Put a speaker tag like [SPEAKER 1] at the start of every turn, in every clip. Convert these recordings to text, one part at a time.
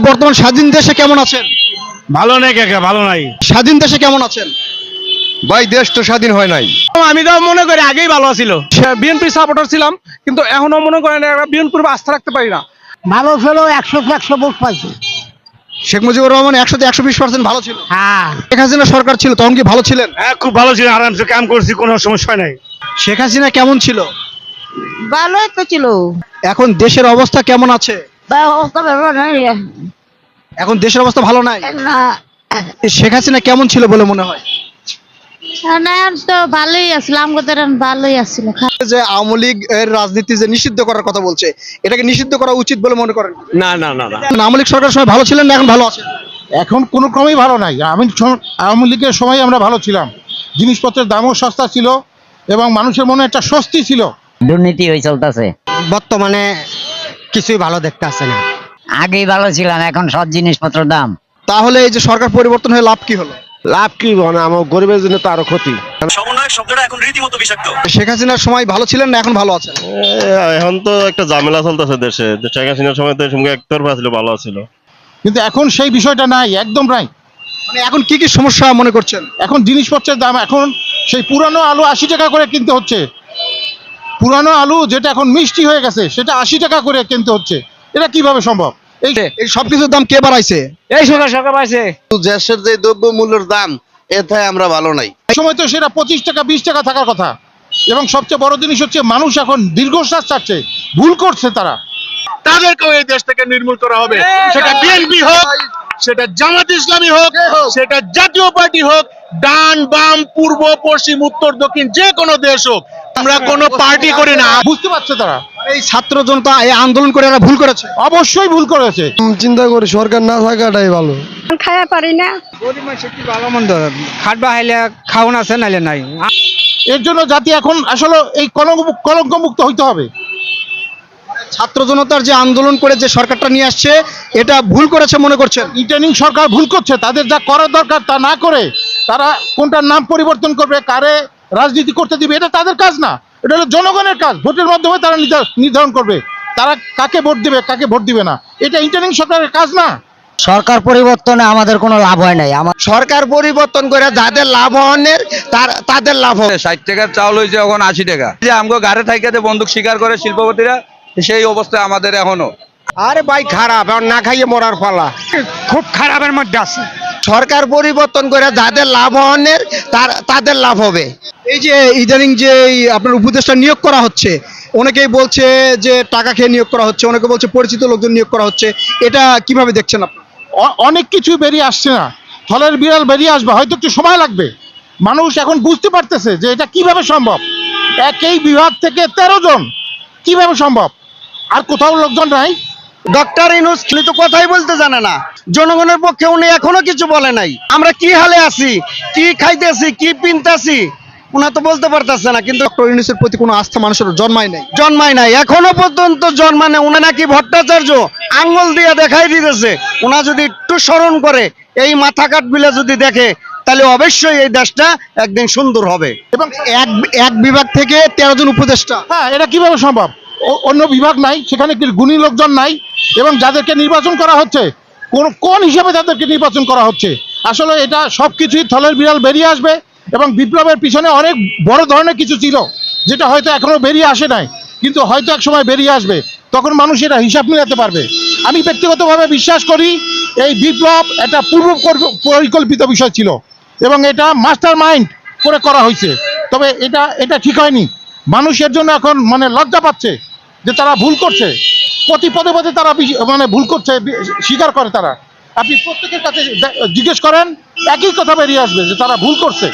[SPEAKER 1] বর্তমান স্বাধীন দেশে কেমন আছেন?
[SPEAKER 2] ভালো নাই কাকা, ভালো নাই।
[SPEAKER 1] স্বাধীন দেশে কেমন আছেন?
[SPEAKER 3] ভাই দেশ তো স্বাধীন হয় নাই।
[SPEAKER 2] আমি তো মনে করি আগেই ভালো ছিল। বিএনপি সাপোর্টার ছিলাম, কিন্তু এখনো মনে করেন বিএনপির আস্থা রাখতে পারি না।
[SPEAKER 4] ভালো ছিল, 100 ভোট পাইছে।
[SPEAKER 1] শেখ মুজিবুর রহমান 100-তে 120% ভালো ছিল।
[SPEAKER 4] হ্যাঁ,
[SPEAKER 1] শেখ হাসিনা সরকার ছিল তখন কি ভালো ছিলেন?
[SPEAKER 2] হ্যাঁ, খুব ভালো ছিল, আরামসে কাম করছি, কোনো সমস্যা নাই।
[SPEAKER 1] শেখ হাসিনা কেমন ছিল?
[SPEAKER 4] ভালোই তো ছিল।
[SPEAKER 1] এখন দেশের অবস্থা কেমন আছে?
[SPEAKER 4] অবস্থা ভালো নাই
[SPEAKER 1] এখন দেশের অবস্থা ভালো নাই।
[SPEAKER 4] না।
[SPEAKER 1] শেখ হাসিনা কেমন ছিল বলে মনে হয়?
[SPEAKER 4] না, তো ভালোই আছিল, আমাদের ভালোই আছিল।
[SPEAKER 1] যে আওয়ামী লীগ এর রাজনীতি যে নিষিদ্ধ করার কথা বলছে, এটাকে নিষিদ্ধ করা উচিত বলে মনে করেন?
[SPEAKER 2] না না না না,
[SPEAKER 1] আওয়ামী লীগ সরকারের সময় ভালো ছিলেন না এখন ভালো আছেন?
[SPEAKER 5] এখন কোনো ক্রমেই ভালো নাই। আওয়ামী লীগের সময় আমরা ভালো ছিলাম, জিনিসপত্রের দামও সস্তা ছিল এবং মানুষের মনে একটা স্বস্তি ছিল।
[SPEAKER 6] দুর্নীতি হয়ে চলতেছে,
[SPEAKER 7] বর্তমানে কিছুই ভালো দেখতে আসছে না।
[SPEAKER 6] আগেই ভালো ছিলাম, এখন সব জিনিসপত্র দাম।
[SPEAKER 1] তাহলে এই যে সরকার পরিবর্তন হয়ে লাভ কি হলো?
[SPEAKER 3] লাভ কি মানে আমার গরিবের জন্য তো আরো ক্ষতি।
[SPEAKER 1] শেখ হাসিনার সময় ভালো ছিলেন না এখন ভালো আছেন?
[SPEAKER 8] এখন তো একটা ঝামেলা চলতেছে দেশে। শেখ হাসিনার সময় তো সঙ্গে একতরফা ছিল, ভালো ছিল।
[SPEAKER 5] কিন্তু এখন সেই বিষয়টা নাই, একদম নাই।
[SPEAKER 1] মানে এখন কি কি সমস্যা মনে করছেন?
[SPEAKER 5] এখন জিনিসপত্রের দাম, এখন সেই পুরানো আলু 80 টাকা করে কিনতে হচ্ছে। পুরানো আলু যেটা এখন মিষ্টি হয়ে গেছে সেটা 80 টাকা করে কিনতে হচ্ছে। এটা কিভাবে সম্ভব?
[SPEAKER 1] এই সবকিছুর দাম কে বাড়াইছে?
[SPEAKER 2] এই সরকার পাইছে।
[SPEAKER 3] দেশের যে দ্রব্য মূল্যের দাম, এতে আমরা ভালো নাই।
[SPEAKER 5] এই সময় তো সেটা 25 টাকা 20 টাকা থাকার কথা। এবং সবচেয়ে বড় জিনিস হচ্ছে মানুষ এখন দীর্ঘশ্বাস চাচ্ছে, ভুল করছে তারা।
[SPEAKER 2] তাদেরকেও এই দেশ থেকে নির্মূল করা হবে, সেটা বিএনপি হোক, সেটা জামাত ইসলামী হোক, সেটা জাতীয় পার্টি হোক, ডান বাম পূর্ব পশ্চিম উত্তর দক্ষিণ যে কোনো দেশ হোক, আমরা কোনো পার্টি করি না।
[SPEAKER 5] বুঝতে পারছে তারা,
[SPEAKER 1] এই ছাত্র জনতা এই আন্দোলন করে এরা ভুল করেছে।
[SPEAKER 5] অবশ্যই ভুল করেছে।
[SPEAKER 3] চিন্তা করি সরকার না থাকাটাই ভালো।
[SPEAKER 4] খাইয়া পারি না।
[SPEAKER 7] গরিব মানুষ কি ভালো মন্দ খাটবা হাইলে খাওন আছে নাইলে নাই।
[SPEAKER 5] এর জন্য জাতি এখন আসলে এই কলঙ্কমুক্ত হইতে হবে।
[SPEAKER 1] ছাত্র জনতার যে আন্দোলন করে যে সরকারটা নিয়ে আসছে এটা ভুল করেছে মনে করছেন?
[SPEAKER 5] রিটার্নিং সরকার ভুল করছে, তাদের যা করার দরকার তা না করে তারা কোনটার নাম পরিবর্তন করবে, কারে রাজনীতি করতে দিবে, এটা তাদের কাজ না। এটা হলো জনগণের কাজ। ভোটের মাধ্যমে তারা নির্ধারণ করবে তারা কাকে ভোট দিবে কাকে ভোট দিবে না। এটা রিটার্নিং সরকারের কাজ না।
[SPEAKER 6] সরকার পরিবর্তনে আমাদের কোনো লাভ হয় নাই।
[SPEAKER 3] সরকার পরিবর্তন করে যাদের লাভ হওয়ার তাদের লাভ হবে।
[SPEAKER 9] 60 টাকার চাউল হয়েছে এখন 80 টাকা। যে আমগো গাড়ি থাইকাতে বন্দুক শিকার করে শিল্পপতিরা, সেই অবস্থা আমাদের এখনো।
[SPEAKER 3] আরে ভাই খারাপ, এখন না খাইয়ে মরার পালা।
[SPEAKER 7] খুব খারাপের মধ্যে আছে।
[SPEAKER 3] সরকার পরিবর্তন করে যাদের লাভ হওয়ার তাদের লাভ হবে।
[SPEAKER 1] এই যে ইদানিং যে আপনার উপদেষ্টা নিয়োগ করা হচ্ছে, অনেকেই বলছে যে টাকা খেয়ে নিয়োগ করা হচ্ছে, অনেকে বলছে পরিচিত লোকজন নিয়োগ করা হচ্ছে, এটা কিভাবে দেখছেন আপনি?
[SPEAKER 5] অনেক কিছুই বেরিয়ে আসছে না, ফলের বিড়াল বেরিয়ে আসবে, হয়তো একটু সময় লাগবে। মানুষ এখন বুঝতে পারতেছে যে এটা কিভাবে সম্ভব। একই বিভাগ থেকে 13 জন, কিভাবে সম্ভব? আর কোথাও লোকজন নাই।
[SPEAKER 3] ডক্টর ইউনূস তো কথাই বলতে জানে না, জনগণের পক্ষে উনি এখনো কিছু বলে নাই। আমরা কি হালে আছি, কি খাইতেছি, কি পিনতেছি, উনি তো বলতে পারতেছে না। কিন্তু
[SPEAKER 1] ডক্টর ইউনূসের প্রতি কোনো আস্থা মানুষের
[SPEAKER 3] জন্মায় নাই, এখনো পর্যন্ত জন্মানে। উনি নাকি ভট্টাচার্য আঙ্গুল দিয়ে দেখাই দিতেছে। উনা যদি একটু স্মরণ করে, এই মাথা কাট বিলে যদি দেখে, তাহলে অবশ্যই এই দেশটা একদিন সুন্দর হবে।
[SPEAKER 5] এবং
[SPEAKER 1] এক বিভাগ থেকে 13 জন উপদেষ্টা,
[SPEAKER 5] হ্যাঁ, এটা কিভাবে সম্ভব? অন্য বিভাগ নাই, সেখানে কি গুণী লোকজন নাই? এবং যাদেরকে নির্বাচন করা হচ্ছে, কোন হিসাবে তাদেরকে নির্বাচন করা হচ্ছে? আসলে এটা সবকিছুই থলের বিড়াল বেরিয়ে আসবে। এবং বিপ্লবের পিছনে অনেক বড় ধরনের কিছু ছিল, যেটা হয়তো এখনো বেরিয়ে আসে নাই, কিন্তু হয়তো এক সময় বেরিয়ে আসবে। তখন মানুষ এটা হিসাব মিলাতে পারবে। আমি ব্যক্তিগতভাবে বিশ্বাস করি এই বিপ্লব একটা পূর্ব পরিকল্পিত বিষয় ছিল এবং এটা মাস্টার মাইন্ড করে করা হয়েছে। তবে এটা ঠিক হয়নি। মানুষের জন্য এখন মানে লজ্জা পাচ্ছে যে তারা ভুল করছে। প্রতি পদে পদে তারা মানে ভুল করছে, স্বীকার করে তারা। আপনি প্রত্যেকের কাছে জিজ্ঞেস করেন, একই কথা বেরিয়ে আসবে যে তারা ভুল করছে।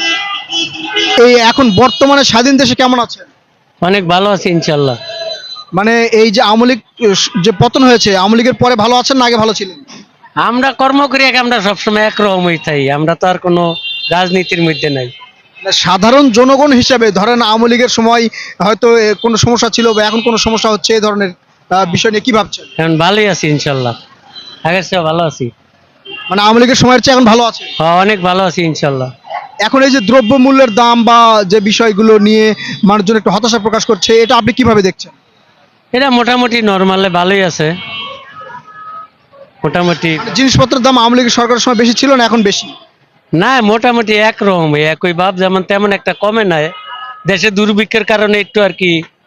[SPEAKER 1] এই এখন বর্তমানে স্বাধীন দেশে কেমন আছে?
[SPEAKER 7] অনেক ভালো আছে ইনশাল্লাহ।
[SPEAKER 1] মানে এই যে আওয়ামী লীগ যে পতন হয়েছে, আওয়ামী লীগের পরে ভালো আছেন না আগে ভালো ছিলেন?
[SPEAKER 7] আমরা কর্ম করি, আমরা সবসময় একরকমই থাই, আমরা তো আর কোনো রাজনীতির মধ্যে নাই।
[SPEAKER 1] সাধারণ জনগণ হিসেবে ধরেন আওয়ামী লীগের সময় হয়তো কোনো সমস্যা ছিল বা এখন কোনো সমস্যা হচ্ছে, এই ধরনের বিষয় নিয়ে কি ভাবছেন?
[SPEAKER 7] এখন ভালোই আছি ইনশাল্লাহ, আগের চেয়ে ভালো আছি।
[SPEAKER 1] মানে আওয়ামী লীগের সময়ের চেয়ে এখন ভালো আছে?
[SPEAKER 7] হ্যাঁ, অনেক ভালো আছি ইনশাল্লাহ।
[SPEAKER 1] এখন এই যে দ্রব্য মূল্যের দাম বা যে বিষয়গুলো নিয়ে মানুষজন একটু হতাশা প্রকাশ করছে, এটা আপনি কিভাবে দেখছেন?
[SPEAKER 7] এটা মোটামুটি নর্মালে ভালোই আছে। মোটামুটি
[SPEAKER 1] জিনিসপত্রের দাম আওয়ামী লীগের সরকারের সময় বেশি ছিল না এখন বেশি?
[SPEAKER 7] না, মোটামুটি একরকম, একই ভাব, যেমন তেমন একটা কমে নাই। দেশে দুর্ভিক্ষের কারণে একটু আর কি